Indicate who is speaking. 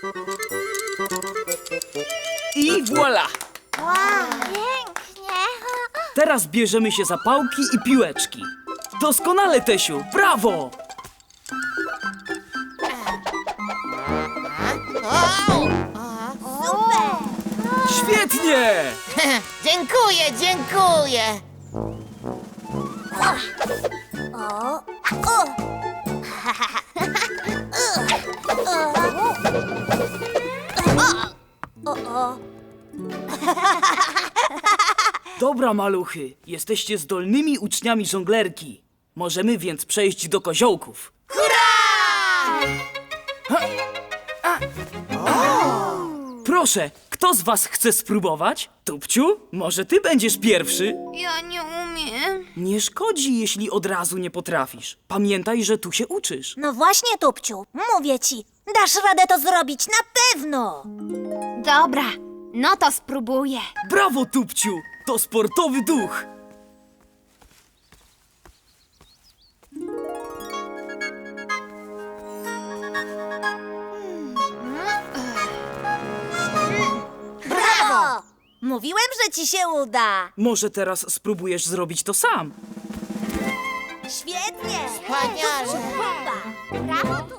Speaker 1: I voilà!
Speaker 2: Pięknie.
Speaker 1: Teraz bierzemy się za pałki i piłeczki. Doskonale, Tesiu! Brawo!
Speaker 2: Super.
Speaker 1: Świetnie!
Speaker 3: Dziękuję, dziękuję.
Speaker 1: Dobra, maluchy, jesteście zdolnymi uczniami żonglerki. Możemy więc przejść do koziołków. Proszę, kto z was chce spróbować? Tupciu, może ty będziesz pierwszy?
Speaker 2: Ja nie umiem.
Speaker 1: Nie szkodzi, jeśli od razu nie potrafisz. Pamiętaj, że tu się uczysz.
Speaker 4: No właśnie, Tupciu, mówię ci, dasz radę to zrobić na pewno.
Speaker 2: Dobra, no to spróbuję.
Speaker 1: Brawo, Tupciu! To sportowy duch!
Speaker 4: Brawo! Mówiłem, że ci się uda.
Speaker 1: Może teraz spróbujesz zrobić to sam?
Speaker 4: Świetnie.
Speaker 3: Wspaniale.
Speaker 4: Chłopa.
Speaker 2: Brawo,